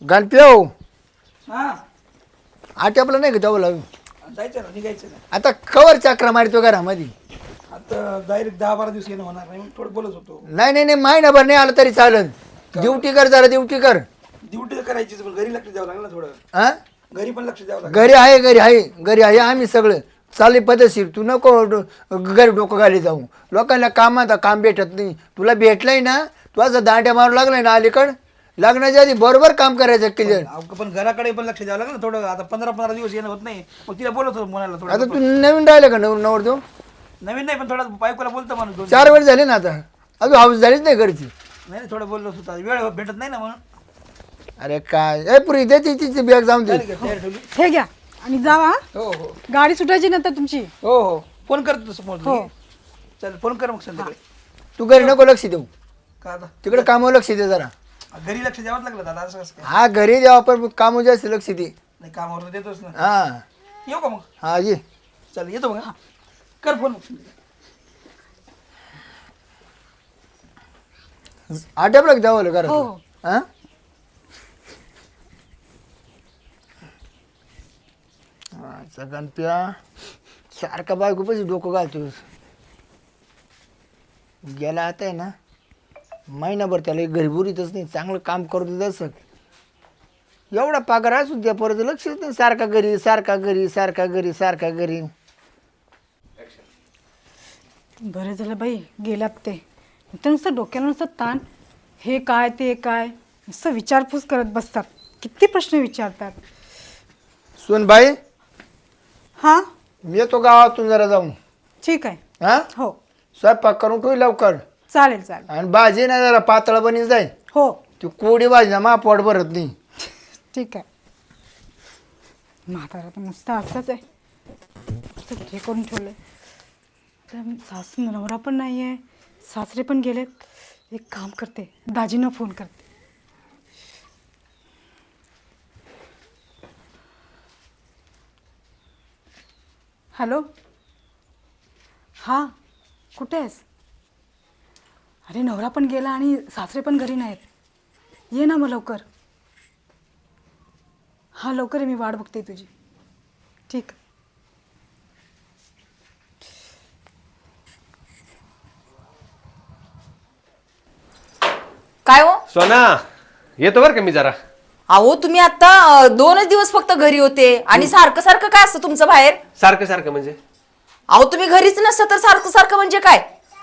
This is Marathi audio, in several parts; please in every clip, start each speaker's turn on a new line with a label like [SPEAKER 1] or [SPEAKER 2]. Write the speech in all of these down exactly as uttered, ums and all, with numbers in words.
[SPEAKER 1] गणप्यो
[SPEAKER 2] हा
[SPEAKER 1] आटपलं नाही का जाऊ
[SPEAKER 2] जायचं ना निघायचं ना
[SPEAKER 1] आता कवर चक्र मारतो घरामध्ये.
[SPEAKER 2] आता डायरेक्ट दहा बारा दिवस येणं होणार नाही मग थोडं बोलत होतो.
[SPEAKER 1] नाही नाही नाही महिनाभर नाही आलं तरी चालेल. ड्युटी कर जरा ड्युटी कर.
[SPEAKER 2] ड्युटी तर करायचीच पण घरी लक्ष द्यावं लागलं ना थोडं.
[SPEAKER 1] हा
[SPEAKER 2] घरी पण लक्ष द्यावं लागलं.
[SPEAKER 1] घरी आहे घरी आहे घरी आहे आम्ही सगळं चालू पद्धतशीर. तू नको डो- घरी डोकं घाली जाऊ. लोकांना कामात काम भेटत नाही. तुला भेटलंय ना तू असं दांड्या मारू लागलाय ना अलीकड लग्नाच्या आधी बरोबर काम करायचं क्लिअर.
[SPEAKER 2] अहो, पण घराकडे पण लक्ष द्यावं लागलं ना थोडं. आता पंधरा पंधरा दिवस येणं होत नाही मग तिला बोलत होतो मुलाला
[SPEAKER 1] आता
[SPEAKER 2] थोडं.
[SPEAKER 1] तू नवीन राहिलं का नवर नवर देऊ
[SPEAKER 2] नवीन नाही पण थोडं बायकोला बोलतो माणूस दोन
[SPEAKER 1] चार वर्ष झाले ना आता अजून हाऊस झालीच नाही घरची.
[SPEAKER 2] नाही नाही, थोडं बोललो होता वेळ भेटत नाही ना म्हणून.
[SPEAKER 1] अरे काय ए पुरी दे ती तिची बॅग जाऊन दे.
[SPEAKER 2] झाली का तयार ठेवली?
[SPEAKER 3] हे घ्या आणि जावा.
[SPEAKER 2] हो हो
[SPEAKER 3] गाडी सुटायची नंतर तुमची.
[SPEAKER 2] हो हो फोन करतो तसं
[SPEAKER 3] हो.
[SPEAKER 2] फोन चल फोन कर मग संध्याकाळी.
[SPEAKER 1] तू घरी नको लक्ष देऊ
[SPEAKER 2] का आता
[SPEAKER 1] तिकडे कामावर लक्ष दे जरा.
[SPEAKER 2] घरी लक्ष द्यावंच लागलं दादा असं कसं काय.
[SPEAKER 1] हा घरी द्यावा पण कामावर जास्त लक्ष दे.
[SPEAKER 2] नाही कामावर तर देतोच ना.
[SPEAKER 1] हा
[SPEAKER 2] येऊ का मग
[SPEAKER 1] हा ये
[SPEAKER 2] चल येतो मग हा. कर फोन मग
[SPEAKER 1] आटपलं जावं घरात.
[SPEAKER 3] हो, हो.
[SPEAKER 1] हा गणप्या सारखा बायको पैसे डोकं घालतोस. गेला आता आहे ना महिनाभर त्याला घरी बुरीतच नाही. चांगलं काम करतो तसं एवढा पगार असू द्या परत लक्षच नाही. सारखा घरी सारखा घरी सारखा घरी सारखा घरी.
[SPEAKER 3] बरं झालं बाई गेलात ते. तर नुसतं डोक्याला नुसतं ताण. हे काय ते काय नुसतं विचारपूस करत बसतात. किती प्रश्न विचारतात.
[SPEAKER 1] सोनबाई
[SPEAKER 3] हां
[SPEAKER 1] मी येतो गावातून जरा जाऊन.
[SPEAKER 3] ठीक आहे.
[SPEAKER 1] हा
[SPEAKER 3] हो
[SPEAKER 1] स्वयंपाक करून ठेवी लवकर.
[SPEAKER 3] चालेल चालेल.
[SPEAKER 1] आणि भाजी ना जरा पातळ बनी जाईल.
[SPEAKER 3] हो
[SPEAKER 1] ती कोडी भाजी ना मा पोट भरत नाही.
[SPEAKER 3] ठीक आहे. म्हातारा तर नुसतं असंच आहे. नुसतं हे करून ठेवलं आहे. तर सासू नवरा पण नाही आहे. सासरे पण गेलेत. एक काम करते दाजींना फोन करते. हॅलो हां कुठे आहेस. अरे नवरा पण गेला आणि सासरे पण घरी नाहीत. ये ना मग लवकर. हां लवकर आहे मी वाट बघते तुझी. ठीक.
[SPEAKER 4] काय हो
[SPEAKER 5] सोना येतो बरं का मी जरा.
[SPEAKER 4] अहो तुम्ही आता अं, दोनच दिवस फक्त घरी होते आणि सारखं सारखं काय असतं तुमचं बाहेर.
[SPEAKER 5] सारखं सारखं म्हणजे
[SPEAKER 4] अहो तुम्ही घरीच नसतं तर सारखं सारखं म्हणजे काय.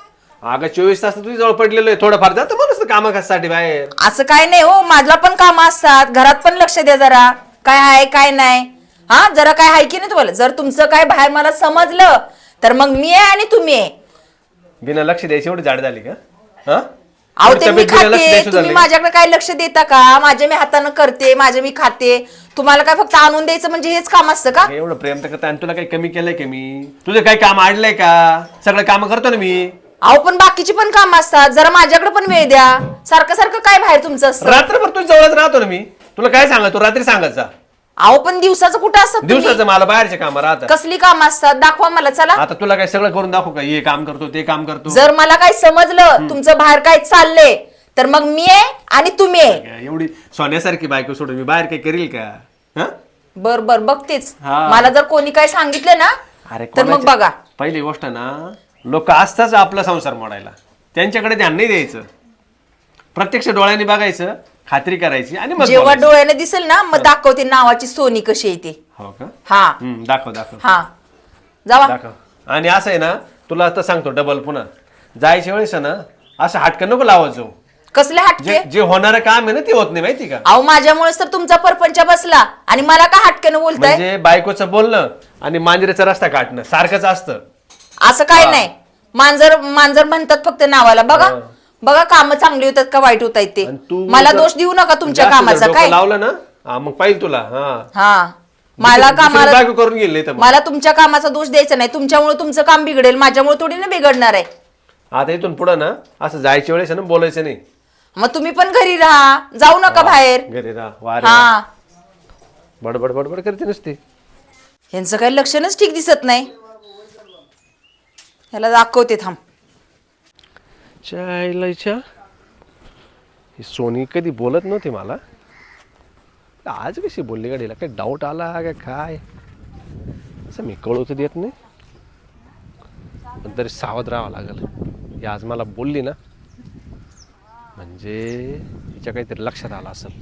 [SPEAKER 5] अगं चोवीस तास तुझी जवळ पडलेलो आहे. थोडंफार जातं म्हणून कामासाठी बाहेर.
[SPEAKER 4] असं काय नाही हो. माझला पण काम असतात. घरात पण लक्ष द्या जरा. काय आहे काय नाही. हा जरा काय आहे की नाही तुम्हाला. जर तुमचं काय बाहेर मला समजलं तर मग मी आहे आणि तुम्ही आहे.
[SPEAKER 5] बिना लक्ष द्यायची एवढी जाड झाली का? हा
[SPEAKER 4] अहो
[SPEAKER 5] एवढी
[SPEAKER 4] ते मी
[SPEAKER 5] तब्येत बिना लक्ष
[SPEAKER 4] खाते
[SPEAKER 5] द्यायची
[SPEAKER 4] तुम्ही
[SPEAKER 5] झाली?
[SPEAKER 4] माझ्याकडे काय लक्ष देता का. माझ्या मी हातानं करते माझे मी खाते. तुम्हाला काय फक्त आणून द्यायचं म्हणजे हेच काम असतं का.
[SPEAKER 5] एवढं प्रेम तर करता आणि तुला काही कमी केलंय का मी? तुझं काही काम आणलंय का? सगळं काम करतो ना मी.
[SPEAKER 4] अहो पण बाकीची पण काम असतात. जरा माझ्याकडे पण वेळ द्या. सारखं सारखं काय बाहेर तुमचं असतं.
[SPEAKER 5] रात्रभर तुझ्या जवळच राहतो ना मी. तुला काय सांगा तू रात्री सांगत जा.
[SPEAKER 4] अहो पण दिवसाचं कुठं असतात तुम्ही?
[SPEAKER 5] दिवसाचं मला बाहेरचे काम राहतात.
[SPEAKER 4] कसली काम असतात दाखवा मला चला.
[SPEAKER 5] आता तुला काय सगळं करून दाखवू का? हे काम करतो ते काम करतो.
[SPEAKER 4] जर मला काय समजलं तुमचं बाहेर काय चाललंय तर मग मी आहे आणि तुम्ही आहे.
[SPEAKER 5] एवढी सोन्यासारखी बायको सोडून मी बाहेर काही करील का? हा
[SPEAKER 4] बर बर बघतेच.
[SPEAKER 5] हा.
[SPEAKER 4] मला जर कोणी काय सांगितलं ना
[SPEAKER 5] अरे
[SPEAKER 4] तर मग
[SPEAKER 5] कोणाच्या-
[SPEAKER 4] बघा.
[SPEAKER 5] पहिली गोष्ट ना लोक असताच आपला संसार मोडायला. त्यांच्याकडे ध्यान नाही द्यायचं. प्रत्यक्ष डोळ्यांनी बघायचं खात्री करायची आणि मग
[SPEAKER 4] जेव्हा
[SPEAKER 5] बोलायचं.
[SPEAKER 4] डोळ्याने दिसेल ना मग दाखवते नावाची सोनी कशी येते.
[SPEAKER 5] हो का?
[SPEAKER 4] हा
[SPEAKER 5] हम्म, दाखव दाखव
[SPEAKER 4] हा जावा.
[SPEAKER 5] दाखव. आणि असं आहे ना तुला आता सांगतो डबल पुन्हा जायच्या वेळेस आहे ना असं हटकन नको लावत जाऊ.
[SPEAKER 4] कसले हटके.
[SPEAKER 5] जे जे होणारं काम आहे ना ते होत नाही माहिती का.
[SPEAKER 4] अहो माझ्यामुळेच तर तुमचा परपंच बसला आणि मला का हटकेनं बोलताय.
[SPEAKER 5] म्हणजे बायकोचं बोलणं आणि मांजरेचा रस्ता काढणं सारखंच असतं.
[SPEAKER 4] असं काय नाही. मांजर मांजर म्हणतात फक्त नावाला. बघा बघा काम चांगली होतात का वाईट होत आहेत ते.
[SPEAKER 5] आणि तू
[SPEAKER 4] मला
[SPEAKER 5] जर-
[SPEAKER 4] दोष देऊ नका तुमच्या
[SPEAKER 5] जास्त जर
[SPEAKER 4] कामाचा.
[SPEAKER 5] डोकं
[SPEAKER 4] काय
[SPEAKER 5] लावलं ना हा, मग पाहिजे तुला हा
[SPEAKER 4] हा मला
[SPEAKER 5] दुसरी- दुसरी
[SPEAKER 4] कामाला
[SPEAKER 5] बायको करून गेली तर मग.
[SPEAKER 4] मला तुमच्या कामाचा दोष द्यायचा नाही. तुमच्यामुळे तुमचं काम बिघडेल. माझ्यामुळे थोडी ना बिघडणार आहे.
[SPEAKER 5] आता इथून पुढं ना असं जायच्या वेळेस ना बोलायचं नाही.
[SPEAKER 4] मग तुम्ही पण घरी राहा. जाऊ नका बाहेर.
[SPEAKER 5] घरी राहा वारे
[SPEAKER 4] हा
[SPEAKER 5] बडबड बडबड करते नसते.
[SPEAKER 4] यांचं काही लक्षणच ठीक दिसत नाही. ह्याला दाखवते थांब.
[SPEAKER 5] चायलाच्या ही सोनी कधी बोलत नव्हती मला. का आज कशी बोलली गाडीला काही डाऊट आला का काय असं मी कळू तर देत नाही पण तरी सावध राहावं लागेल. ही आज मला बोलली ना म्हणजे तिच्या काहीतरी लक्षात आलं असेल.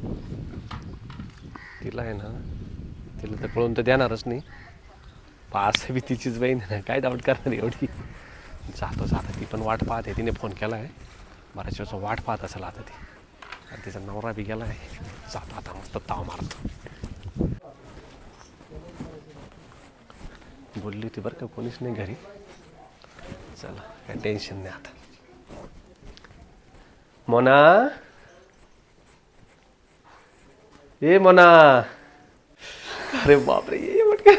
[SPEAKER 5] तिला आहे ना तिला तर कळून तर देणारच नाही पास बी तिचीच बहीण ना काय डाऊट करणार एवढी. जातो जाता ती पण वाट पाहते तिने फोन केला आहे बऱ्याच वेळचा वाट पाहत असेल आता ती आणि तिचा नवरा बी गेला आहे. जातो आता मस्त ताव मारतो. बोलली होती बरं का कोणीच नाही घरी. चला काय टेन्शन नाही आता. मोना ए मोना अरे बापरे ये म्हटलं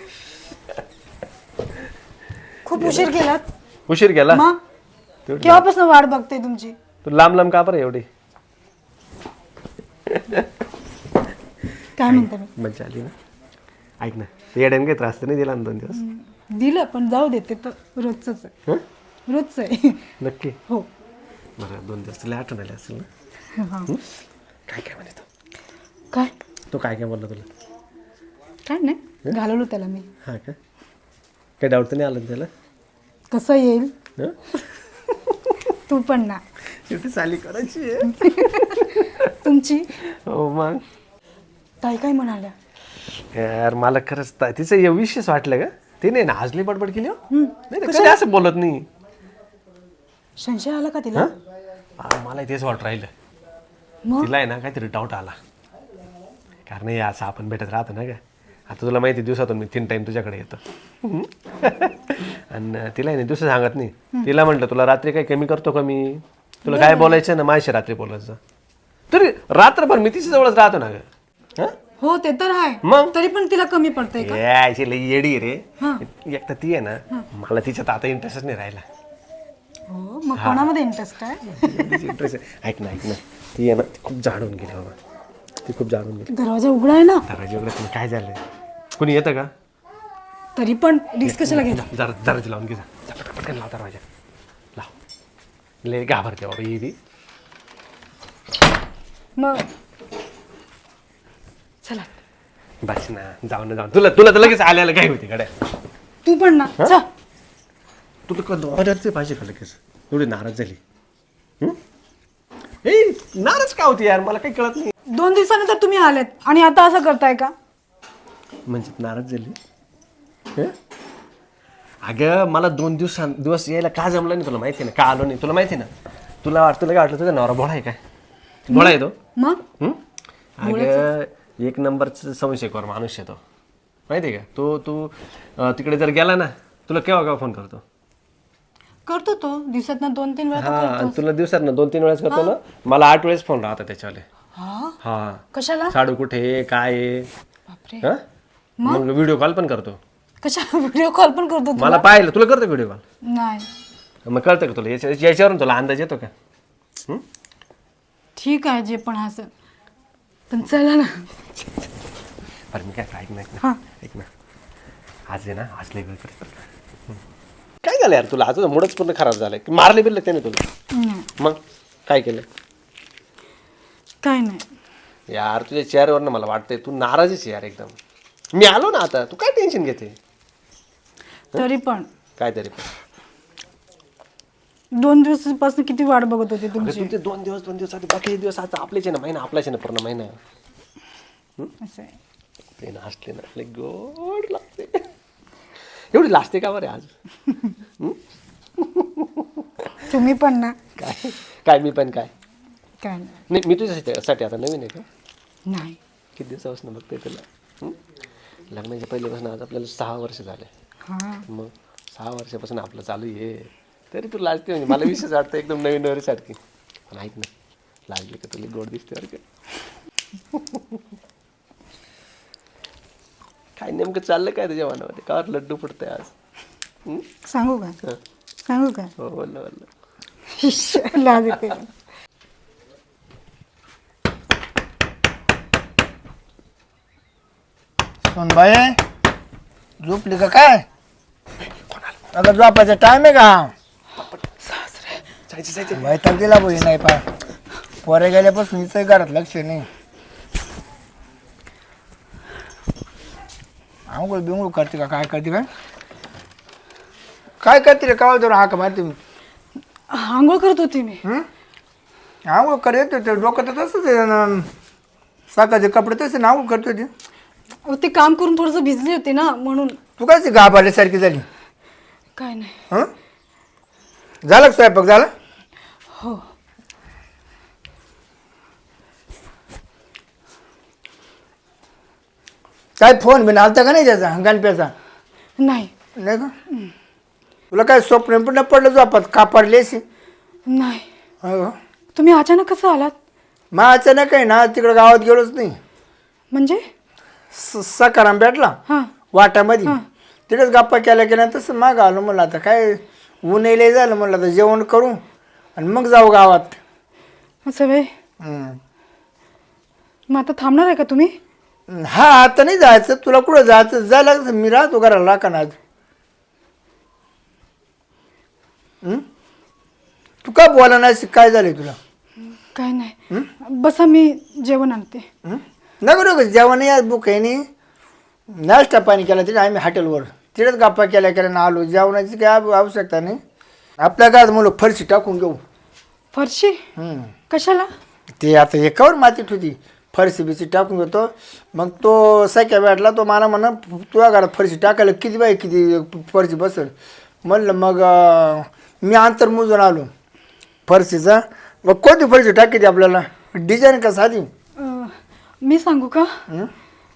[SPEAKER 3] खूप उशीर केलात
[SPEAKER 5] उशीर गेला.
[SPEAKER 3] मग
[SPEAKER 5] तेवढी
[SPEAKER 3] केव्हापासून वाट बघते तुमची.
[SPEAKER 5] तू लांब लांब का बरं एवढी
[SPEAKER 3] काय म्हणता मी
[SPEAKER 5] मज्जा आली ना. ऐक ना येड्याने काही त्रास तर नाही दिला ना दोन दिवस.
[SPEAKER 3] दिलं पण जाऊ देते तर रोजच आहे
[SPEAKER 5] हं?
[SPEAKER 3] रोजच आहे.
[SPEAKER 5] नक्की
[SPEAKER 3] हो
[SPEAKER 5] बरं दोन दिवस तुला आठवण आली असेल ना.
[SPEAKER 3] हा.
[SPEAKER 5] काय काय म्हणे तो
[SPEAKER 3] काय
[SPEAKER 5] तो काय काय बोलला तुला.
[SPEAKER 3] काय नाही घालवलं त्याला मी.
[SPEAKER 5] हा का काही डाऊट तर नाही आलं ना त्याला.
[SPEAKER 3] कसं येईल
[SPEAKER 5] हं?
[SPEAKER 3] तू पण ना
[SPEAKER 5] शेवटी चाली करायची आहे.
[SPEAKER 3] तुमची
[SPEAKER 5] हो मग
[SPEAKER 3] ताई काय म्हणाल्या.
[SPEAKER 5] यार मला खरंच ता- तिचं हे विशेष वाटलं का ते नाही ना आजली बडबड केली हो. नाही तर कधी असं बोलत नाही.
[SPEAKER 3] संशय आला का तिला.
[SPEAKER 5] हा, मला तेच वाट राहिलं
[SPEAKER 3] मग
[SPEAKER 5] तिला आहे ना काहीतरी डाऊट आला कारण हे असं आपण भेटत राहतो ना का. आता तुला माहिती दिवसातून मी तीन टाइम तुझ्याकडे येतो आणि तिला आहे ना दुसरं सांगत नाही. तिला म्हटलं तुला रात्री काही कमी करतो का मी तुला काय बोलायचं ना माझ्याशी रात्री बोलायचं तरी रात्रभर मी तिच्या जवळच राहतो ना ग. हं?
[SPEAKER 3] हो ते तर आहे
[SPEAKER 5] मग?
[SPEAKER 3] तरी पण तिला कमी पडतंय का.
[SPEAKER 5] यायची लई येडी रे. एक तर ती आहे ना मला तिच्यात आता इंटरेस्टच नाही राहिला.
[SPEAKER 3] हो मग कोणामध्ये इंटरेस्ट आहे.
[SPEAKER 5] इंटरेस्ट ऐक ना ऐक ना ती आहे ना ती खूप जाडून गेली बाबा. ती खूप जाडून गेली.
[SPEAKER 3] दरवाजा उघडा आहे ना
[SPEAKER 5] दरवाजा उघडा तुम्ही काय झालं कोणी येतं का.
[SPEAKER 3] तरी पण रिस्क कशाला घेता.
[SPEAKER 5] जरा दरवाजा लावून घे जा. जा, पटकन पटकन लाव दरवाजा लाव. लय घाबरते बाबा ही बी.
[SPEAKER 3] मग चला
[SPEAKER 5] बस ना जाऊ ना जाऊ तुला तुला तर लगेच आल्याला काय होती गड्या.
[SPEAKER 3] तू पण ना चल.
[SPEAKER 5] तुला का दोन पाहिजे का लगेच एवढी नाराज झाली. हं? ए नाराज का होती यार मला काही कळत नाही.
[SPEAKER 3] दोन दिवसानंतर तुम्ही आलेत आणि आता असं करताय का.
[SPEAKER 5] म्हणजे नाराज झाली. हं? अगं मला दोन दिवस दिवस यायला का जमलं नाही तुला माहिती आहे ना का आलो नाही तुला माहिती आहे ना. तुला वाटतं तुला काय वाटलं तुझा नवरा भोळा आहे काय भोळा आहे तो.
[SPEAKER 3] मग
[SPEAKER 5] हं? अगं एक नंबरचं संशयकर माणूस आहे तो माहिती आहे का. तो तू अं, तिकडे जर गेला ना तुला केव्हा केव्हा फोन करतो.
[SPEAKER 3] करतो तो दिवसात ना दोन तीन वेळा तर
[SPEAKER 5] हा
[SPEAKER 3] करतो.
[SPEAKER 5] आणि तुला दिवसात ना दोन तीन वेळेस करतो ना मला आठ वेळेस फोन राहतो त्याच्यावाले.
[SPEAKER 3] हा
[SPEAKER 5] हा
[SPEAKER 3] कशाला.
[SPEAKER 5] साडू कुठे आहे, काय आहे.
[SPEAKER 3] बापरे
[SPEAKER 5] हं? मग व्हिडिओ कॉल पण करतो.
[SPEAKER 3] कशा व्हिडिओ कॉल पण करतो तू.
[SPEAKER 5] मला पाहिलं तुला करतो व्हिडिओ कॉल.
[SPEAKER 3] नाही
[SPEAKER 5] मग कळतं का तुला याच्या याच्यावरून तुला अंदाज येतो का. हं?
[SPEAKER 3] ठीक आहे जे पण असं पण चला ना.
[SPEAKER 5] बरं मी काय ऐक ना ऐक
[SPEAKER 3] हा.
[SPEAKER 5] ना ऐक ना आज आहे ना आज लय वेळ करत काय झालं यार तुला आज मूडच पूर्ण खराब झालाय की मारले बिरले त्याने तुला.
[SPEAKER 3] नाही
[SPEAKER 5] मग काय केलं
[SPEAKER 3] काय नाही.
[SPEAKER 5] यार तुझ्या चेहऱ्यावर ना मला वाटतंय तू नाराजच आहे यार एकदम. मी आलो ना आता तू काय टेन्शन घेते.
[SPEAKER 3] तरी पण
[SPEAKER 5] काय तरी पण
[SPEAKER 3] दोन दिवसापासून किती वाट बघत होते
[SPEAKER 5] अरे
[SPEAKER 3] तुमची.
[SPEAKER 5] तुमचे दोन दिवस दोन दिवस आधी बाकी दिवस आता आपलेच आहे ना महिना आपलाच आहे ना पूर्ण महिना.
[SPEAKER 3] असं आहे.
[SPEAKER 5] ते ना हसले ना लय गोड लागते. एवढी लाजते का बरे आज.
[SPEAKER 3] तुम्ही पण ना.
[SPEAKER 5] काय काय मी पण काय
[SPEAKER 3] काय नाही.
[SPEAKER 5] नाही मी तुझ्यासाठी आता नवीन आहे का.
[SPEAKER 3] नाही
[SPEAKER 5] किती दिवसापासून बघते तुला. हं? लग्नाच्या पहिल्यापासून आज आपल्याला सहा वर्ष झाले.
[SPEAKER 3] हा
[SPEAKER 5] मग सहा वर्षापासून आपलं चालू आहे तरी तू लाजते म्हणजे मला विशेष वाटतं एकदम नवीन नवरीसारखी. पण ऐक ना लाजली का तुला गोड दिसते बरं का. काय नेमकं चाललं काय तुझ्या मनामध्ये का लड्डू फुटतंय आज. हं?
[SPEAKER 3] सांगू का
[SPEAKER 5] हं.
[SPEAKER 3] सांगू का.
[SPEAKER 5] हो बोललं बोललं
[SPEAKER 3] लाज येते.
[SPEAKER 1] सोनबाई झोपली का काय. अगं झोपायचा टाइम आहे का.
[SPEAKER 5] जायचं जायचं
[SPEAKER 1] वैताग दिला बोई नाही पा पोरे गेल्यापासून इथं घरात लक्ष नाही. आंघोळ बिंगोळ करते का काय करते काय काय करते रे काय तर हाक मारते मी
[SPEAKER 3] आंघोळ करत होती मी.
[SPEAKER 1] हं? आंघोळ कर येतो ते डोकं तर तसंच आहे ना सकाळचे कपडे तसे ना आंघोळ करतो ते
[SPEAKER 3] अहो, ते काम करून थोडंसं भिजली होती ना म्हणून.
[SPEAKER 1] तू काय गाभ आल्यासारखी झाली
[SPEAKER 3] काय नाही.
[SPEAKER 1] हं झालं का स्वयंपाक झाला
[SPEAKER 3] हो.
[SPEAKER 1] काय फोन बिन आलता का नाही त्याचा गणप्याचा
[SPEAKER 3] नाही.
[SPEAKER 1] नाही का तुला काय स्वप्न पण नाही पडलं झोपात का पडलेसी
[SPEAKER 3] नाही.
[SPEAKER 1] हो
[SPEAKER 3] तुम्ही अचानक कसं आलात?
[SPEAKER 1] मग अचानक आहे ना तिकडं गावात गेलोच नाही
[SPEAKER 3] म्हणजे?
[SPEAKER 1] स- सकाराम भेटला
[SPEAKER 3] हां.
[SPEAKER 1] वाटामध्ये तिकडेच गप्पा केल्या केल्या तसं माग आलो म्हणलं आता काय ऊन लय झालं म्हणलं आता जेवण करू आणि मग जाऊ गावात.
[SPEAKER 3] असं वे.
[SPEAKER 1] हं.
[SPEAKER 3] मग आता थांबणार आहे का तुम्ही?
[SPEAKER 1] हा आता नाही जायचं तुला कुठं जायचं जायला लागतं मी राहतो घराला राखा आज हं? तू का बोला नाही काय झालंय तुला
[SPEAKER 3] काय नाही. बसा मी जेवण आणते.
[SPEAKER 1] हं? नको नको जेवण या बुक आहे नाही नाश्ता पाणी केला तिथे आम्ही हॉटेलवर तिथेच गप्पा केल्या केल्या ना आलो जेवणाची काय आव- आवश्यकता नाही आपल्या काय मुलं फरशी टाकून घेऊ.
[SPEAKER 3] फरशी?
[SPEAKER 1] हं.
[SPEAKER 3] कशाला?
[SPEAKER 1] ते आता एकावर मातीत होती फरशी बिशी टाकून घेतो मग तो सख्या भेटला तो मला म्हणा तुझ्या घरात फरशी टाकायला किती बाई किती फरशी बसेल म्हणलं मग अं, मी अंतर मोजून आलो फरशीचा मग कोणती फरशी टाकायची आपल्याला डिझाईन का साधी
[SPEAKER 3] अं, मी सांगू का?
[SPEAKER 1] हं?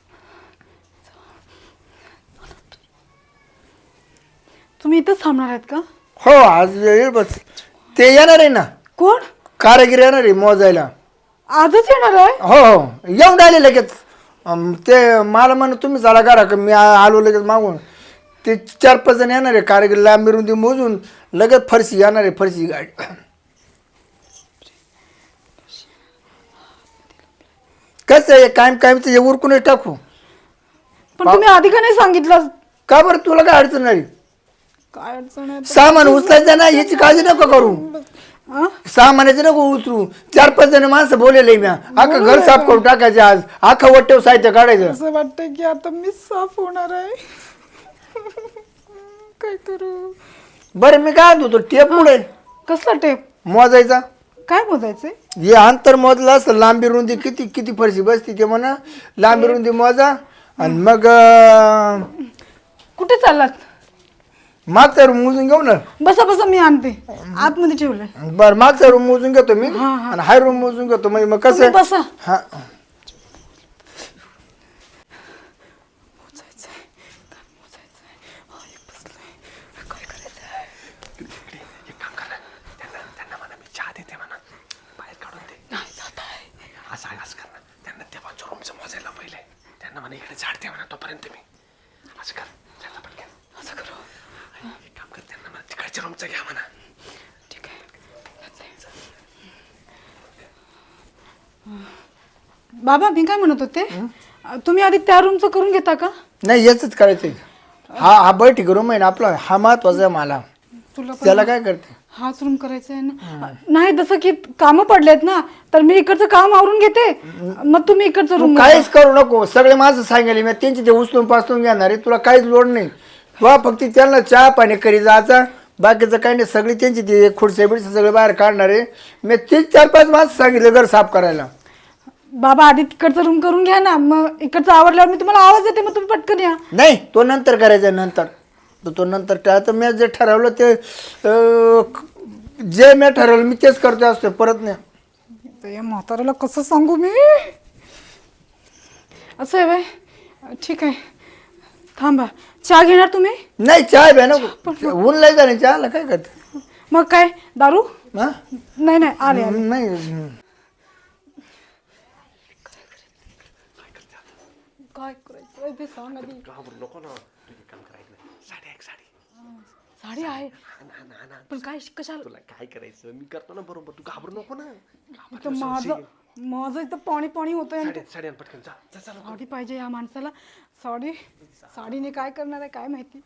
[SPEAKER 3] तुम्ही इथंच थांबणार आहेत का?
[SPEAKER 1] हो आज येईल बस ते येणार आहे ना
[SPEAKER 3] कोण?
[SPEAKER 1] कारागीर येणार आहे मोजायला
[SPEAKER 3] आजच येणार आहे?
[SPEAKER 1] हो हो येऊन राहिले लगेच अं, ते मला म्हण तुम्ही चला करा का मी आ- आलो लगेच मागून ते चार पाच जण येणार आहे कारागीर लांबीरून ते मोजून लगेच फरशी येणार आहे फरशी गाडी कसं आहे कायम कायमचं हे उरकूनच टाकू
[SPEAKER 3] पण तुम्ही आधी का नाही सांगितलं?
[SPEAKER 1] का बरं तुला काय अडचण नाही
[SPEAKER 3] काय अडचण आहे?
[SPEAKER 1] सामान उचलायचं ना याची काळजी नको करू
[SPEAKER 3] अं?
[SPEAKER 1] सामानाचं नको उचलू चार पाच जण माणसं बोलले मी अख्खं घर साफ करून टाकायचे आज अख्खं वट्टेव साहित्य काढायचं
[SPEAKER 3] असं वाटतंय की आता मी साफ होणार आहे. काय करू?
[SPEAKER 1] बरं मी काय म्हणतो टेप पुढे
[SPEAKER 3] कसला टेप?
[SPEAKER 1] मोजायचा
[SPEAKER 3] काय मोजायचंय?
[SPEAKER 1] हे अंतर मोजलं असं लांबी रुंदी किती किती फरशी बसती ते म्हणा लांबी रुंदी मोजा आणि मग अं,
[SPEAKER 3] कुठे चाललात?
[SPEAKER 1] मागचा रूम मोजून घेऊ ना
[SPEAKER 3] बसा बसा मी आणते. आतमध्ये ठेवलंय.
[SPEAKER 1] बरं मागचा रूम मोजून घेतो मी
[SPEAKER 3] हा, हा.
[SPEAKER 1] आणि हाय रूम मोजून घेतो म्हणजे मग
[SPEAKER 3] तुम्ही
[SPEAKER 1] कसं
[SPEAKER 3] बसा.
[SPEAKER 1] हा
[SPEAKER 3] मोजायचंय. काय मोजायचंय? हा, एक बसलंय. काय करायचंय?
[SPEAKER 5] एक काम करा त्यांना त्यांना म्हणा मी चहा देते म्हणा बाहेर काढून दे
[SPEAKER 3] नाही जात आहे.
[SPEAKER 5] असं आहे असं कर ना त्यांना त्या बाजूच्या रूमचं मोजायला पहिले त्यांना म्हणा इकडे झाडते म्हणा तोपर्यंत मी असं कर त्याचा पटकन
[SPEAKER 3] असं करू.
[SPEAKER 5] एक काम कर त्यांना म्हणा तिकडच्या रूमचं घ्या म्हणा
[SPEAKER 3] ठीक आहे. बाबा मी काय म्हणत होते तुम्ही आधी त्या रूमचं करून घेता का?
[SPEAKER 1] नाही याच करायचंय हा हा बैठक रूम आहे ना आपला हा महत्वाचा आहे मला
[SPEAKER 3] तुला पण
[SPEAKER 1] त्याला काय करते
[SPEAKER 3] हाच रूम करायचा आहे ना? नाही जसं की कामं पडलेत ना तर मी इकडचं काम आवरून घेते मग तुम्ही इकडचं
[SPEAKER 1] तू
[SPEAKER 3] रूम
[SPEAKER 1] काहीच करू नको सगळे माझं सांगेल मी त्यांची ते उचलून पाचलून घेणार आहे तुला काहीच लोड नाही तुला फक्त त्यांना चहा पाणी करी जायचा बाकीचं काही नाही सगळी त्यांची ती खुर्च्या बिडच्या सगळे बाहेर काढणार आहे मी तीन चार पाच माणसं सांगितले घर साफ करायला
[SPEAKER 3] बाबा आधी तिकडचं रूम करून घ्या ना मग इकडचं आवडल्यावर मी तुम्हाला आवाज देते मग तुम्ही पटकन या.
[SPEAKER 1] नाही तो नंतर करायचा नंतर तो तो नंतर तर मी जे ठरवलं ते अं, जे मी ठरवलं मी तेच करतो असतो परत नाही
[SPEAKER 3] ते या म्हाताऱ्याला कसं सांगू मी असं आहे बाय. ठीक आहे थांबा. चहा घेणार तुम्ही?
[SPEAKER 1] नाही चहा घ्या नको ऊन लय झालं चहाला काय करते
[SPEAKER 3] मग काय दारू?
[SPEAKER 1] हा
[SPEAKER 3] नाही नाही आले आले.
[SPEAKER 1] नाही
[SPEAKER 3] काय करायचं ते सांग आधी.
[SPEAKER 5] घाबरू नको ना तू एक काम करायचं नाही साडी एक साडी
[SPEAKER 3] साडी आहे
[SPEAKER 5] ना ना ना
[SPEAKER 3] पण काय कशाला?
[SPEAKER 5] तुला काय करायचं मी करतो ना बरोबर तू घाबरू नको ना
[SPEAKER 3] इथं माझं माझं इथं पाणी पाणी होतंय आणि
[SPEAKER 5] साडी साडी आण पटकन जा जा चला
[SPEAKER 3] साडी पाहिजे या माणसाला. साडी साडीने काय करणार आहे काय माहिती.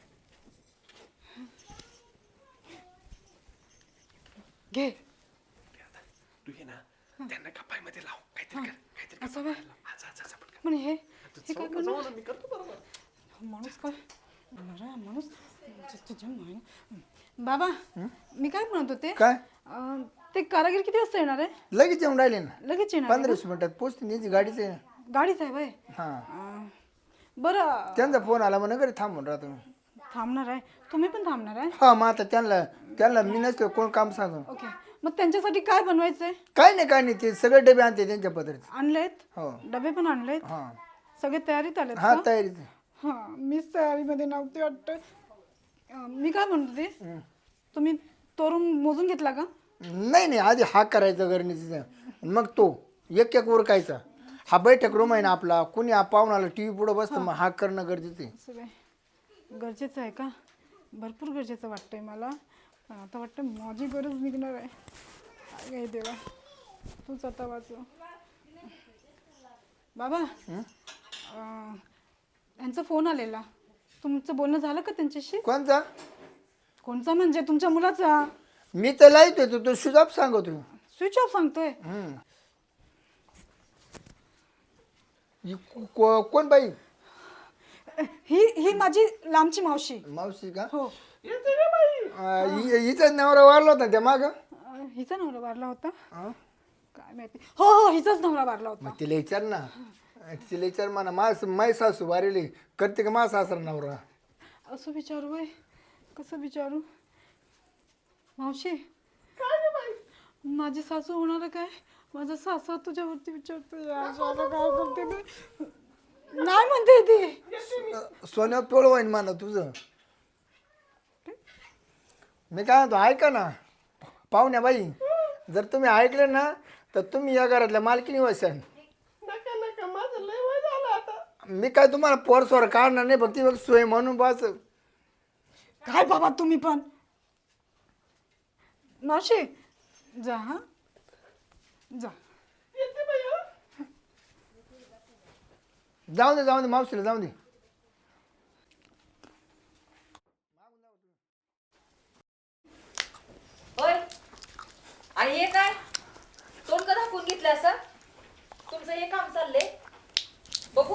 [SPEAKER 3] घे
[SPEAKER 5] तू ये ना त्यांना कपाईमध्ये लाव काहीतरी कर काहीतरी
[SPEAKER 3] असं काय?
[SPEAKER 5] हा, जा जा जा पटकन
[SPEAKER 3] पण हे हे काय करणार?
[SPEAKER 5] मी करतो बरोबर
[SPEAKER 3] माणूस काय बरं माणूस तुझ्या माय- बाबा मी काय म्हणत होते
[SPEAKER 1] काय
[SPEAKER 3] अं, ते कारागीर किती वाजता येणार आहे
[SPEAKER 1] लगेच येऊन राहिले ना
[SPEAKER 3] लगेच येणार आहे
[SPEAKER 1] पंधरा वीस मिनिटात पोचते त्यांची गाडीच आहे
[SPEAKER 3] ना? गाडीच आहे बाय
[SPEAKER 1] हा
[SPEAKER 3] बरं
[SPEAKER 1] त्यांचा फोन आला म्हणून घरी थांबून राहतो मी.
[SPEAKER 3] थांबणार आहे तुम्ही पण थांबणार आहे
[SPEAKER 1] हा मग आता त्यांना त्यांना मी नसतो कोण काम सांगू
[SPEAKER 3] ओके मग त्यांच्यासाठी काय बनवायचं आहे
[SPEAKER 1] काय नाही काय नाही ते सगळे डबे आणते त्यांच्या पद्धतीचे
[SPEAKER 3] आणलेत
[SPEAKER 1] हो
[SPEAKER 3] डबे पण आणलेत
[SPEAKER 1] हा
[SPEAKER 3] सगळे तयारीत आलेत
[SPEAKER 1] हा
[SPEAKER 3] का?
[SPEAKER 1] तयारी
[SPEAKER 3] हा मीच तयारीमध्ये नव्हती वाटतं अं, मी काय म्हणत होते तुम्ही तोरून मोजून घेतला का
[SPEAKER 1] नाही नाही आधी हा करायचा गरणीचा मग तो एक एक उरकायचा हा बैठक रूम आहे ना आपला कुणी हा पाहुणाला टी व्ही पुढं बसतं मग हा करणं गरजेचं आहे
[SPEAKER 3] असं काय गरजेचं आहे का भरपूर गरजेचं वाटतंय मला पण आता वाटतं माझी गरज निघणार आहे काय काय देवा तूच आता वाचव बाबा अं, यांचा फोन आलेला तुमचं बोलणं झालं का त्यांच्याशी
[SPEAKER 1] कोणचा
[SPEAKER 3] कोणचा म्हणजे तुमच्या मुलाचा
[SPEAKER 1] मी तर लाईत होतो तो सुजाब सांगतो
[SPEAKER 3] स्विच ऑफ सांगतोय
[SPEAKER 1] हम्म. ही को- को- कोण बाई
[SPEAKER 3] ही ही माझी लांबची मावशी
[SPEAKER 1] मावशी का
[SPEAKER 3] हो
[SPEAKER 1] अं, हि- हिचा नवरा वारला होता त्या माग
[SPEAKER 3] अं, हिचा नवरा वारला होता काय माहिती हो हो हिचाच नवरा वारला होता
[SPEAKER 1] मग तिला विचार ना तिला विचार म्हणा मा माय सासू वारेली करते का मा सासरा नवरा
[SPEAKER 3] असं विचारू बाई कसं विचारू मावशी माझी सासू होणार आहे काय माझा सासू तुझ्यावरती विचारतो यार साला काय करते मी नाही म्हणते ती
[SPEAKER 1] सोन्या तोळ होईन म्हणा तुझं मी काय म्हणतो ऐका ना पाहुण्या बाई जर तुम्ही ऐकले ना तर तुम्ही या घरातल्या मालकीनी वसाल मी काय तुम्हाला पोरसोर काढणार नाही फक्त बघ सोय म्हणून बस
[SPEAKER 3] काय बाबा तुम्ही पण मावशी जा हा जा
[SPEAKER 1] जाऊ दे जाऊ दे मावशीला जाऊ दे
[SPEAKER 4] होय आणि हे काय तोंड का दाखवून घेतलं असं तुमचं हे काम चाललंय बघू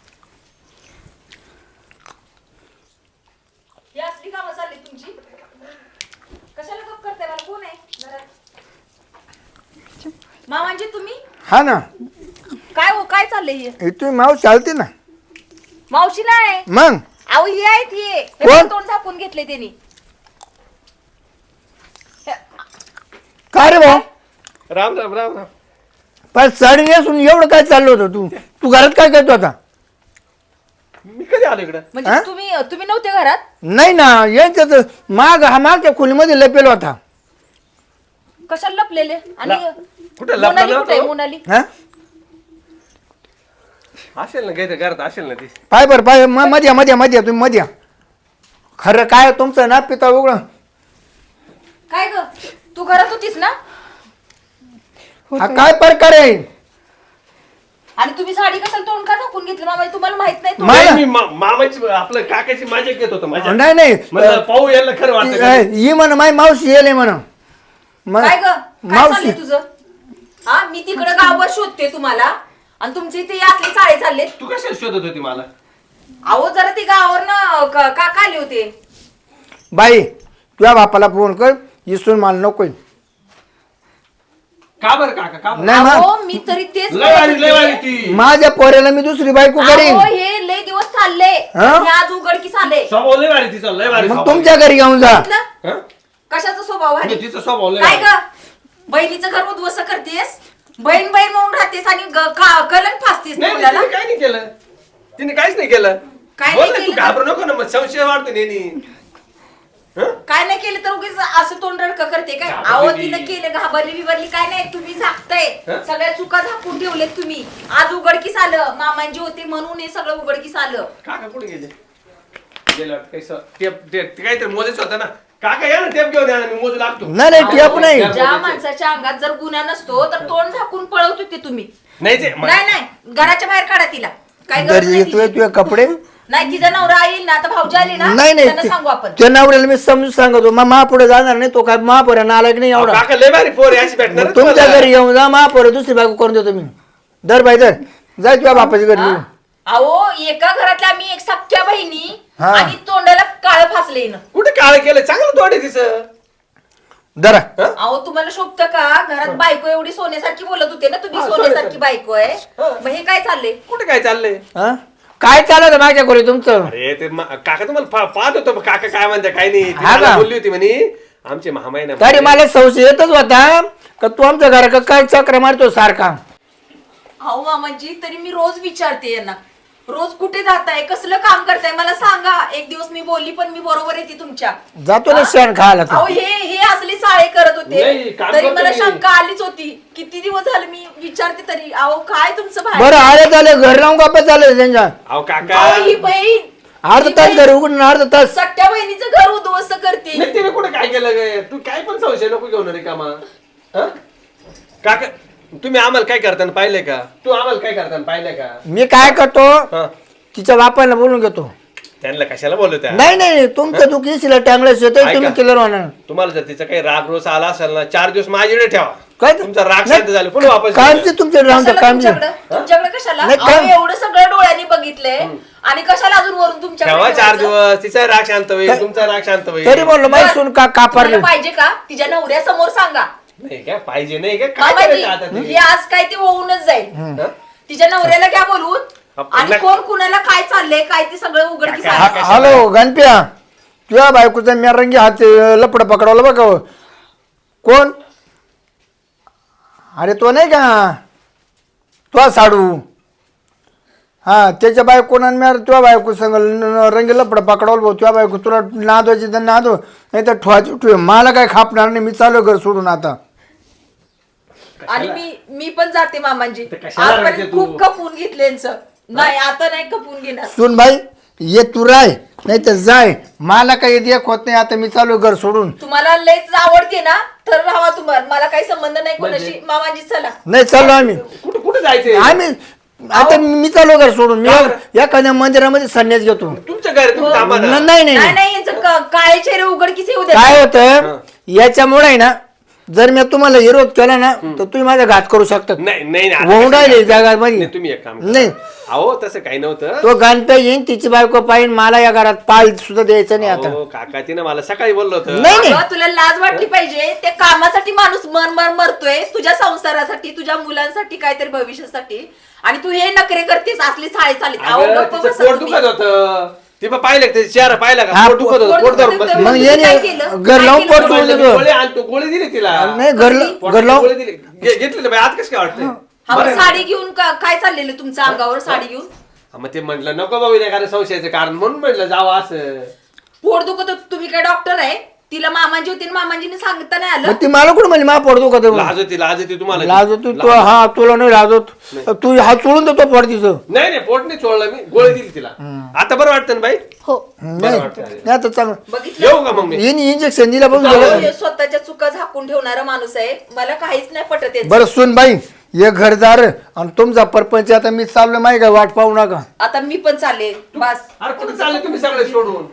[SPEAKER 4] ही असली कामं चालली तुमची कशाला गप करताय मला कोण आहे घरात मामांजी तुम्ही
[SPEAKER 1] हा ना
[SPEAKER 4] काय हो काय चाललंय हे
[SPEAKER 1] हे तुम्ही मावशी चालते ना
[SPEAKER 4] मावशी नाही
[SPEAKER 1] मग
[SPEAKER 4] अहो ही आहेत हे हे
[SPEAKER 1] कोण?
[SPEAKER 4] पण तोंड झाकून घेतले त्यांनी
[SPEAKER 1] काय रे भाऊ
[SPEAKER 5] राम राम राम राम
[SPEAKER 1] पण साडी नेसून एवढं काय चाललं होतं तू तू घरात काय करतो आता
[SPEAKER 5] मी कधी आलो इकडं
[SPEAKER 4] म्हणजे तुम्ही तुम्ही नव्हते घरात
[SPEAKER 1] नाही ना यांच्यात माग हा मागच्या खोलीमध्ये लपेल होता
[SPEAKER 4] कशाला लपलेले आणि
[SPEAKER 5] कुठे
[SPEAKER 4] मोनाली कुठे आहे
[SPEAKER 5] लपला
[SPEAKER 4] मोनाली
[SPEAKER 1] हा
[SPEAKER 5] असेल ना काहीतरी घरात असेल ना ती
[SPEAKER 1] पाय बर पाय म- मध्ये या, मध्ये या, मध्ये या, तुम्ही मध्ये या. खरं काय तुमचं ना पिता उघड
[SPEAKER 4] काय ग तू घरात होतीस ना
[SPEAKER 1] हा काय प्रकार आहे
[SPEAKER 4] आणि तुम्ही साडी कशाला तोंड का झाकून घेतलं मामा तुम्हाला माहित नाही तो?
[SPEAKER 1] मला-
[SPEAKER 5] मी मा- मामाची आपलं काकाची मजा घेत होतो माझ्या
[SPEAKER 1] नाही नाही
[SPEAKER 5] म्हणलं पाहू यायला खरं वाटतं का?
[SPEAKER 1] ही म्हण माय मावशी येले म्हण
[SPEAKER 4] काय ग काय
[SPEAKER 1] मावशी
[SPEAKER 4] चाललंय तुझं हा मी तिकडे गावभर शोधते तुम्हाला आणि तुमचे इथे असले चाळे चालले
[SPEAKER 5] तू कशाला शोधत होती मला
[SPEAKER 4] अहो जरा ते गावावर ना काका आले होते
[SPEAKER 1] बाई तुझ्या बापाला फोन कर इसून मला नकोय
[SPEAKER 5] का बरं काका का बरं?
[SPEAKER 1] नाही
[SPEAKER 4] अहो
[SPEAKER 1] मग
[SPEAKER 4] मी तरी तेच
[SPEAKER 5] लय वारी लय वारी
[SPEAKER 4] म्हणत होते.
[SPEAKER 5] ती
[SPEAKER 1] माझ्या पोऱ्याला मी दुसरी बायको करीन
[SPEAKER 4] अहो हे लय दिवस चालले
[SPEAKER 1] हा?
[SPEAKER 4] आणि आज उघडकीस आले
[SPEAKER 5] स्वभाव लय वारी तिचा लय वारी
[SPEAKER 1] मग
[SPEAKER 5] स्वभाव.
[SPEAKER 1] तुमच्या घरी घेऊन जा
[SPEAKER 4] म्हटलं,
[SPEAKER 5] हं?
[SPEAKER 4] कशाचा स्वभाव आहे
[SPEAKER 5] म्हणजे तिचा स्वभाव लय
[SPEAKER 4] काय
[SPEAKER 5] वारी.
[SPEAKER 4] ग बहिणीचं घर उद्ध्वस्त करतेस बहीण बहीण म्हणून राहतेस आणि ग- का- कलंक फासतेस
[SPEAKER 5] नाही
[SPEAKER 4] मुलाला
[SPEAKER 5] तिने काय नाही केलं तिने काहीच नाही केलं
[SPEAKER 4] काय
[SPEAKER 5] बोल
[SPEAKER 4] नाही
[SPEAKER 5] ना, तू
[SPEAKER 4] केलं?
[SPEAKER 5] घाबरू नको ना मग संशय वाढतो नेहमी हं?
[SPEAKER 4] काय नाही केलं तर उगीच असं तोंड रडकं करते काय
[SPEAKER 5] घाबरली
[SPEAKER 4] अहो
[SPEAKER 5] ती.
[SPEAKER 4] तिनं केलं घाबरली बिबरली काय नाही तुम्ही झाकताय
[SPEAKER 5] हं?
[SPEAKER 4] सगळ्या चुका झाकून ठेवलेत तुम्ही आज उघडकीस आलं मामांजी होते म्हणून हे सगळं उघडकीस आलं
[SPEAKER 5] काका कुठे गेले गेलं वाटतं, काही स- टेप टेप ते काहीतरी मोजायचं होतं ना काका या ना टेप घेऊन या ना मी मोजू लागतो
[SPEAKER 1] नाही नाही टेप नाही
[SPEAKER 4] ज्या माणसाच्या अंगात जर गुन्हा नसतो तर तोंड झाकून पळवत होते तुम्ही
[SPEAKER 5] नाही ते म-
[SPEAKER 4] नाही नाही घराच्या बाहेर काढा तिला काय गरज
[SPEAKER 1] घरी
[SPEAKER 4] नाही
[SPEAKER 1] येतोय
[SPEAKER 4] तिची.
[SPEAKER 1] तुझे कपडे
[SPEAKER 4] नाही तिचा नवरा येईल ना आता भाऊजी आली ना
[SPEAKER 1] नाही
[SPEAKER 4] त्यांना
[SPEAKER 1] नाही
[SPEAKER 4] सांगू आपण
[SPEAKER 1] त्या नवऱ्याला मी समजून सांगतो मग महापुढे जाणार नाही तो काय महापुऱ्या नाला की नाही
[SPEAKER 5] अहो,
[SPEAKER 1] एवढा
[SPEAKER 5] काका लय भारी पोर आहे, अशी भेटणार
[SPEAKER 1] मग
[SPEAKER 5] ना
[SPEAKER 1] तुमच्या
[SPEAKER 5] तुम्हाला.
[SPEAKER 1] घरी येऊन जा महापुढे दुसरी बायको करून देतो मी दर बाई दर जाय तुझ्या बापाच्या घरी
[SPEAKER 4] हा? अहो एका घरातल्या आम्ही एक सख्या बहिणी
[SPEAKER 1] हा.
[SPEAKER 4] आणि तोंडाला काळ फासले ना.
[SPEAKER 5] कुठे काळ केलं चांगलं तोडे तिचं.
[SPEAKER 1] जरा
[SPEAKER 4] अहो तुम्हाला शोभतं का घरात बायको एवढी सोन्यासारखी बोलत होते ना तुम्ही, सोन्यासारखी बायको आहे. मग हे काय चाललंय?
[SPEAKER 5] कुठे काय चाललंय?
[SPEAKER 1] हा? काय चालत माझ्या घरी तुमचं?
[SPEAKER 5] अरे ते मा- काका तुम्हाला पा- पाहत होतो काका काय म्हणते काय नाही ती
[SPEAKER 1] हा
[SPEAKER 5] मला
[SPEAKER 1] का?
[SPEAKER 5] बोलली होती म्हणे आमचे महामाई ना
[SPEAKER 1] तरी मला संशय येतच होता का तू आमच्या घरा काय चक्र मारतो सारखा.
[SPEAKER 4] अहो मामाजी तरी मी रोज विचारते यांना, रोज कुठे जाताय, कसलं काम करताय मला सांगा. एक दिवस मी बोलली पण मी बरोबर येते तुमच्या.
[SPEAKER 1] जातो ना शेण खायला
[SPEAKER 4] अहो
[SPEAKER 1] तू.
[SPEAKER 4] हे हे असले साळे करत
[SPEAKER 5] नाही,
[SPEAKER 4] होते
[SPEAKER 5] काम
[SPEAKER 4] तरी
[SPEAKER 5] करतो
[SPEAKER 4] मला
[SPEAKER 5] मी.
[SPEAKER 4] शंका आलीच होती. किती दिवस झाले मी विचारते तरी. अहो काय तुमचं
[SPEAKER 1] बरं
[SPEAKER 4] बाहेर?
[SPEAKER 1] आले झाले घर लावून गप्पा चालले त्यांच्या.
[SPEAKER 5] अहो काका
[SPEAKER 4] अहो ही बहीण
[SPEAKER 1] अर्धा
[SPEAKER 4] ही
[SPEAKER 1] तास
[SPEAKER 4] बहीण
[SPEAKER 1] घर उघडून अर्धा तास.
[SPEAKER 4] सख्या बहिणीचं घर उद्ध्वस्त करते.
[SPEAKER 5] नाही तिने कुठे काय केलं गे तू काय पण संशय नको घेऊन रे कामा. हा? काका तुम्ही आम्हाला काय करताना पाहिलंय का? तू आम्हाला काय करताना पाहिलंय का?
[SPEAKER 1] मी काय करतो
[SPEAKER 5] हा
[SPEAKER 1] तिच्या बापाला बोलून घेतो.
[SPEAKER 5] त्यांना कशाला बोलत आहे?
[SPEAKER 1] नाही नाही तुमचं दुःख येशील टांगलं शेत
[SPEAKER 5] ऐका.
[SPEAKER 1] तुम्ही केलं होणार.
[SPEAKER 5] तुम्हाला जर तिचा काही राग रोज आला असेल ना चार दिवस माझ्याकडे ठेवा.
[SPEAKER 1] काय ते?
[SPEAKER 5] तुमचा राग
[SPEAKER 1] नाही,
[SPEAKER 5] शांत झाला पुन्हा वापस
[SPEAKER 1] कामचे तुमचे राहून
[SPEAKER 4] कशाला
[SPEAKER 1] काम
[SPEAKER 4] तुमच्याकडं? तुमच्याकडे कशाला?
[SPEAKER 1] नाही,
[SPEAKER 4] अहो,
[SPEAKER 1] काम-
[SPEAKER 4] एवढं सगळं डोळ्यांनी बघितलंय आणि कशाला अजून वरून तुमच्याकडे
[SPEAKER 5] ठेवा चार
[SPEAKER 4] ठेवायचं?
[SPEAKER 5] दिवस तिचा राग शांत होईल तुमचा राग शांत होईल.
[SPEAKER 1] तरी म्हणलं माहिती सुन का कापारले.
[SPEAKER 4] तुम्हाला पाहिजे का? तिच्या नवऱ्यासमोर सांगा.
[SPEAKER 5] नाही काय पाहिजे नाही काय काय
[SPEAKER 4] मामाजी,
[SPEAKER 5] करायचं आता
[SPEAKER 4] हे
[SPEAKER 5] ते?
[SPEAKER 4] आज काय ते होऊनच जाईल.
[SPEAKER 5] हा?
[SPEAKER 4] तिच्या नवऱ्याला घ्या बोलून
[SPEAKER 5] आपण
[SPEAKER 4] आणि
[SPEAKER 5] नक-
[SPEAKER 4] कोण कुणाला काय चाललंय काय ते सगळं उघडकीस
[SPEAKER 5] काय-
[SPEAKER 4] आणा.
[SPEAKER 5] काय-
[SPEAKER 1] हॅलो गणप्या तुझ्या बायकोचा मी रंगी हात लपड पकडवलं बघ. कोण? अरे तो नाही का तो साडू. हा त्याच्या बायकोना मी तुझ्या बायको संग रंगी लपड पकडवलं भाऊ. तुझ्या बायको तुला नादवायची तर नादव नाही तर ठेवायची ठेव. मला काय खापणार नाही. मी चालू घर सोडून आता.
[SPEAKER 4] आणि मी मी पण जाते मामांजी.
[SPEAKER 5] ते कशाला रडते
[SPEAKER 4] आजपर्यंत
[SPEAKER 5] तू?
[SPEAKER 4] खूप खपून घेतल्यांचं नाही आता नाही खपून घेणार.
[SPEAKER 1] सुन भाई ये तू राय नाही तर जाय. मला काही देख होत नाही आता. मी चालू घर सोडून.
[SPEAKER 4] तुम्हाला लयच आवडते ना तर राहा तुम्हाला. मला काही संबंध नाही
[SPEAKER 5] म्हणजे?
[SPEAKER 4] कोणाशी. मामाजी चला.
[SPEAKER 1] नाही चाललो आम्ही.
[SPEAKER 5] कुठं कुठं जायचंय?
[SPEAKER 1] आम्ही आता मी चालू घर सोडून. मी एखाद्या मंदिरामध्ये संन्यास घेतो.
[SPEAKER 5] तुमच्या घरी तुम्ही थांबा ना.
[SPEAKER 1] न- नाही नाही
[SPEAKER 4] नाही
[SPEAKER 1] नाही.
[SPEAKER 4] नाही यांचं क- काळे चेहरे उघडकीस येऊ द्या.
[SPEAKER 1] काय होतं याच्यामुळे आहे ना जर मी तुम्हाला विरोध केला ना तर तुम्ही माझा घात करू शकता.
[SPEAKER 5] नाही नाही नाही.
[SPEAKER 1] होऊन राहिले जागा
[SPEAKER 5] नाही, तुम्ही एक काम करा.
[SPEAKER 1] नाही
[SPEAKER 5] अहो तसं काही नव्हतं.
[SPEAKER 1] तो गणपती येईन तिची बायको पाहिजे. मला या घरात पाळ सुद्धा द्यायचं नाही आता.
[SPEAKER 5] अहो, काका तिनं मला सकाळी बोललो होतं.
[SPEAKER 1] नाही नाही
[SPEAKER 4] अगं, तुला लाज वाटली पाहिजे. त्या कामासाठी माणूस मर मर मरतोय तुझ्या संसारासाठी तुझ्या मुलांसाठी काहीतरी भविष्यासाठी आणि तू हे नखरे करतेस असली साळे चालीत. अहो,
[SPEAKER 5] अगं,
[SPEAKER 4] गप्प
[SPEAKER 5] तिचं
[SPEAKER 4] बसा
[SPEAKER 5] पोट
[SPEAKER 4] तुम्ही.
[SPEAKER 5] दुखत होतं. ती पण पाहिलं का? त्याचा चेहरा पाहिला का?
[SPEAKER 1] हा,
[SPEAKER 5] पोट दुखत होतं.
[SPEAKER 4] पोट
[SPEAKER 5] पोट धरून
[SPEAKER 4] दुखत
[SPEAKER 5] बसली.
[SPEAKER 4] होतं.
[SPEAKER 1] मग
[SPEAKER 4] तुम्ही
[SPEAKER 1] येणे
[SPEAKER 4] काय केलं?
[SPEAKER 1] घर
[SPEAKER 4] काय
[SPEAKER 1] लावून
[SPEAKER 4] केलं?
[SPEAKER 1] पोट
[SPEAKER 5] म्हणलं,
[SPEAKER 1] चोळून
[SPEAKER 5] मी
[SPEAKER 1] देतो.
[SPEAKER 5] गोळी आणतो गोळी दिली तिला.
[SPEAKER 1] नाही घर घर
[SPEAKER 5] पोटाला
[SPEAKER 1] लावून
[SPEAKER 5] गोळी दिली घे- घेतली ना बाई, आत कसं काय वाटतंय?
[SPEAKER 4] हा, मग
[SPEAKER 5] बरं.
[SPEAKER 4] साडी घेऊन का- काय चाललेलं तुमच्या अंगावर साडी घेऊन?
[SPEAKER 5] हा, मग ते म्हटलं नको बाबा नाही कारण संशयाचं कारण म्हणून म्हटलं जावं असं.
[SPEAKER 4] पोट दुखत होतं. तुम्ही काय डॉक्टर आहे? तिला मामांजी होती आणि मामांजीने सांगता नाही आलं.
[SPEAKER 1] मग ती मला कुठं म्हणली मा पडतो का
[SPEAKER 5] लाज होती लाज होती तुम्हाला.
[SPEAKER 1] लाजतो तू. हा तुला नाही लाजत. तू हा चोळून देतो पड तिचं.
[SPEAKER 5] नाही नाही पोट नाही चोळलं मी गोळी दिली तिला. आता बरं वाटतं ना बाई?
[SPEAKER 3] हो
[SPEAKER 1] नाही
[SPEAKER 5] वाटतं.
[SPEAKER 1] नाही आता चांगलं
[SPEAKER 4] बघितलं
[SPEAKER 5] येऊ का मग मी?
[SPEAKER 1] येईन इंजेक्शन दिला बघ
[SPEAKER 4] अहो,
[SPEAKER 1] गेलं.
[SPEAKER 4] हे स्वतःच्या चुका झाकून ठेवणारा माणूस आहे. मला काहीच नाही पटत याचं.
[SPEAKER 1] बरं सुन बाई ये घरदार आणि तुमचा परपंच आता मी चाललो माहिती का वाट पाहू नका.
[SPEAKER 4] आता मी पण चालले बस.
[SPEAKER 5] अरे कुठे चालले तुम्ही सगळे सोडून?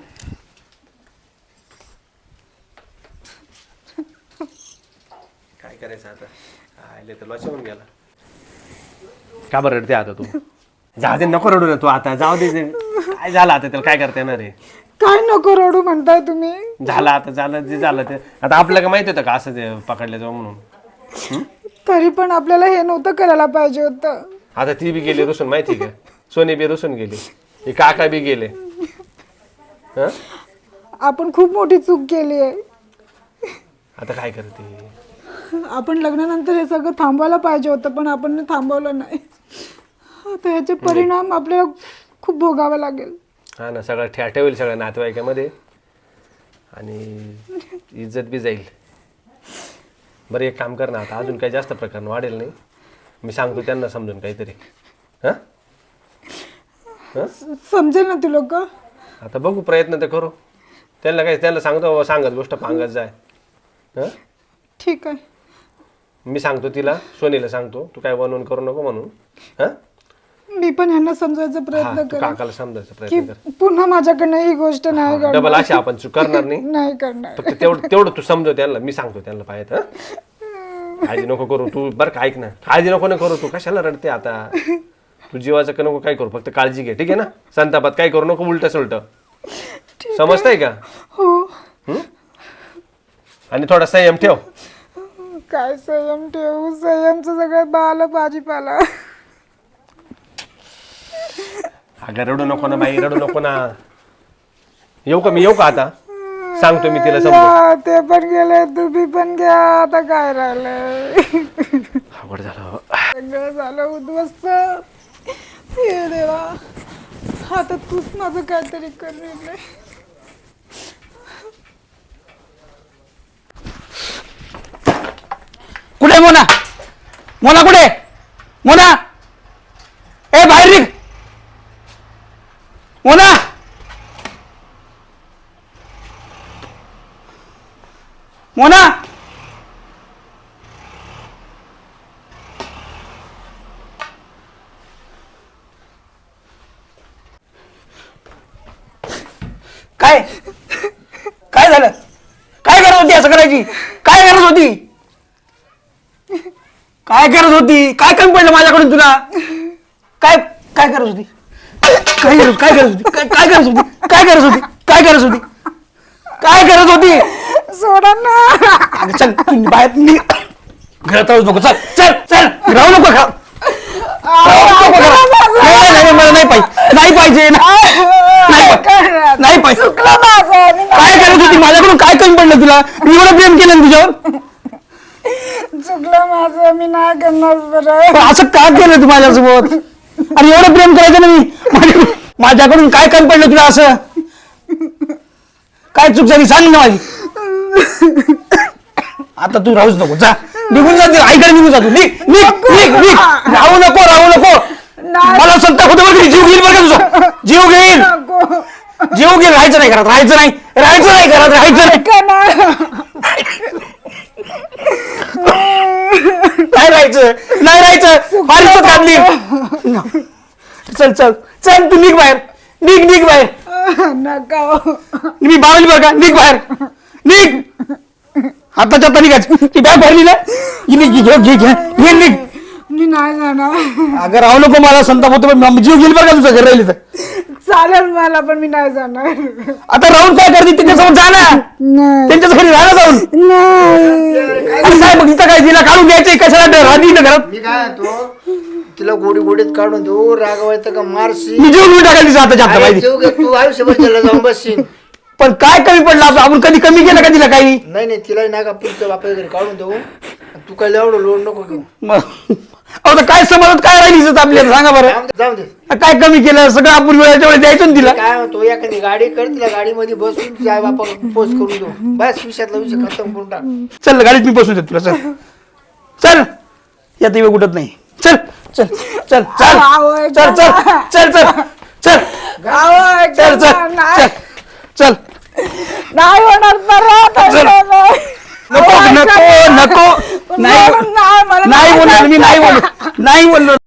[SPEAKER 5] काय करायचं आता? आले तर लॉस होऊन गेला. का बरं रडते आता तू? जाऊ दे नको रडू ना तू आता. जाऊ दे जे- काय झालं आता त्याला काय करता येणार आहे?
[SPEAKER 3] काय नको रडू म्हणताय तुम्ही.
[SPEAKER 5] झालं आता झालं जे झालं ते. आता आपल्याला काय माहिती होतं का असं ते पकडले जाऊ म्हणून?
[SPEAKER 3] तरी पण आपल्याला हे नव्हतं करायला पाहिजे होतं.
[SPEAKER 5] आता ती बी गेली रुसून माहिती का? सोनी बी रुसून गेली. हे काका बी गेले. हं?
[SPEAKER 3] आपण खूप मोठी चूक केली आहे.
[SPEAKER 5] आता काय करते?
[SPEAKER 3] आपण लग्नानंतर हे सगळं थांबवायला पाहिजे होतं पण आपण थांबवलं नाही. आता याचे परिणाम आपल्याला खूप भोगावा लागेल.
[SPEAKER 5] हा ना सगळं ठ्या ठेवेल सगळ्या नातेवाईकामध्ये आणि इज्जत बी जाईल. बरं एक काम कर ना आता अजून काही जास्त प्रकरण वाढेल नाही. मी सांगतो त्यांना समजून काहीतरी. हां हां
[SPEAKER 3] समजेल ना ती लोक.
[SPEAKER 5] आता बघू प्रयत्न तर करू. त्यांना काय त्यांना सांगतो बाबा सांगत गोष्ट पांगत जाय. हां
[SPEAKER 3] ठीक आहे.
[SPEAKER 5] मी सांगतो तिला सोनीला सांगतो तू काय बनवून करू नको म्हणून. हां
[SPEAKER 3] मी पण ह्यांना समजायचा
[SPEAKER 5] हा
[SPEAKER 3] प्रयत्न
[SPEAKER 5] तू
[SPEAKER 3] करेन
[SPEAKER 5] काकाला समजायचा
[SPEAKER 3] की
[SPEAKER 5] प्रयत्न कर.
[SPEAKER 3] पुन्हा माझ्याकडनं ही गोष्ट नाही
[SPEAKER 5] डबल
[SPEAKER 3] घडणार.
[SPEAKER 5] अशी आपण चूक करणार नाही.
[SPEAKER 3] नाही करणार.
[SPEAKER 5] फक्त तेवढं तेवढं तू समजव त्यांना. मी सांगतो त्यांना पाहिजे. हां काळजी नको करू तू. बरं का ऐक ना काळजी नको ना करू तू. कशाला रडते आता? तू जीवाचं का नको काय करू, फक्त काळजी घे, ठीक आहे ना. संतापात काय करू नको, उलट सुलट, समजतंय का?
[SPEAKER 3] हो.
[SPEAKER 5] हं? आणि थोडा संयम ठेव.
[SPEAKER 3] काय संयम ठेवू, संयमचं सगळं बाल भाजीपाला.
[SPEAKER 5] अगं रडू नको ना बाई, रडू नको ना. येऊ का मी, येऊ का आता? सांगतो मी तिला समजून.
[SPEAKER 3] या, ते पण गेले, तुम्ही पण घ्या, आता काय राहिलंय.
[SPEAKER 5] अवघड झालं.
[SPEAKER 3] सगळं झालं उद्ध्वस्त. हे देवा, आता तूच माझं काहीतरी कर निर्णय.
[SPEAKER 2] कुठे मोना, मोना कुठे, मोना ए बाहेर निघ, मोना मोना. काय काय झालं, काय गरज होती असं करायची, काय गरज होती, काय गरज होती, काय कमी पडलं माझ्याकडून तुला, काय काय गरज होती, काय गरज काय गरज होती, काय काय गरज होती, काय गरज होती, काय गरज होती, काय गरज होती.
[SPEAKER 3] सोडा ना.
[SPEAKER 2] अगं चल तू बाहेर निघ, घरात राहूच नको, चल चल चल राहू नको घरात. राहू नको घरात. नाही, नाही, मला नाही पाहिजे, नाही पाहिजे, नाही नाही पाहिजे. काय गरज होती, माझ्याकडून काय कमी पडलं तुला, मी एवढं प्रेम केलं ना तुझ्यावर.
[SPEAKER 3] चुकलं माझं, मी नाही करणार बरं.
[SPEAKER 2] पण असं का केलं तू माझ्यासोबत, आणि एवढं प्रेम करायचं ना मी, माझ्या- माझ्याकडून काय कमी पडलं तुला, असं काय चूक झाली सांग ना माझी. आता तू राहूच नको, जा निघून जा, आईकडे निघून जा तू, निघ निघ निघ निघ, राहू नको राहू नको. मला संताप होतो बघ, जीव घेईल बघा तुझा, जीव घेईल, जीव घेईल. राहायचं नाही घरात, राहायचं नाही, राहायचं नाही घरात, राहायचं नाही, नाही राहायचं, नाही राहायचं, फार इज्जत घातली. चल चल चल, तू निघ बाहेर, निघ निघ बाहेर,
[SPEAKER 3] नका.
[SPEAKER 2] मी बावली बरं का, निघ बाहेर, निघ हाताच्या आता निघायचं. ती बॅग भरली ना, ही निघ, घे घे घे घे निघ.
[SPEAKER 3] मी नाही जाणार.
[SPEAKER 2] अगं राहू नको, मला संताप होतो, पण जीव घेईल बरं का तुझं घर राहिली तर.
[SPEAKER 3] चालेल मला, पण मी नाही जाणार.
[SPEAKER 2] आता राहून काय करते, त्यांच्यासोबत जा ना,
[SPEAKER 3] नाही
[SPEAKER 2] त्यांच्याच घरी राहा ना जाऊन.
[SPEAKER 3] नाही.
[SPEAKER 2] आणि काय बघ इथं काय, तिला काढून द्यायचंय कशाला, राहते इथं घरात.
[SPEAKER 1] मी काय म्हणतो, तिला गोडी गोडीत काढून देऊ, रागवायचं का मारशी.
[SPEAKER 2] मी जीव घेऊन टाकायला तिचा हाताच्या हात
[SPEAKER 1] अरे
[SPEAKER 2] पाहिजे.
[SPEAKER 1] जीव घे, तू आयुष्यभर त्याला जाऊन बसशील.
[SPEAKER 2] पण काय कमी पडलं असं, आपण कधी कमी केलं का तिला काही.
[SPEAKER 1] नाही नाही, तिला ना का पुढच्या बापाच्या घरी काढून देऊ, तू काय एवढं लोड नको घेऊ.
[SPEAKER 2] मग आता काय समजत काय राहिली इज्जत आपल्याला, सांगा बरं.
[SPEAKER 1] जाऊ दे, जाऊ दे.
[SPEAKER 2] काय कमी केलं, सगळं आपण वेळेच्या वेळेस द्यायचं ना तिला.
[SPEAKER 1] काय म्हणतो, एखादी गाडी कर, तिला गाडीमध्ये बसून तिच्या आई बापा पोस्ट करून देऊ, बस विषयातला विषय खतम करून टाक.
[SPEAKER 2] चल गाडीत मी बसून देतो तुला, चल चल, या वेळ कुठत नाही, चल चल चल चल चल चल चल चल चल चल चल चल.
[SPEAKER 3] नाही होणार परत.
[SPEAKER 2] चल. नको नको नको, नाही
[SPEAKER 3] नाही, मला
[SPEAKER 2] नाही बोलणार मी, नाही बोललो, नाही बोललो.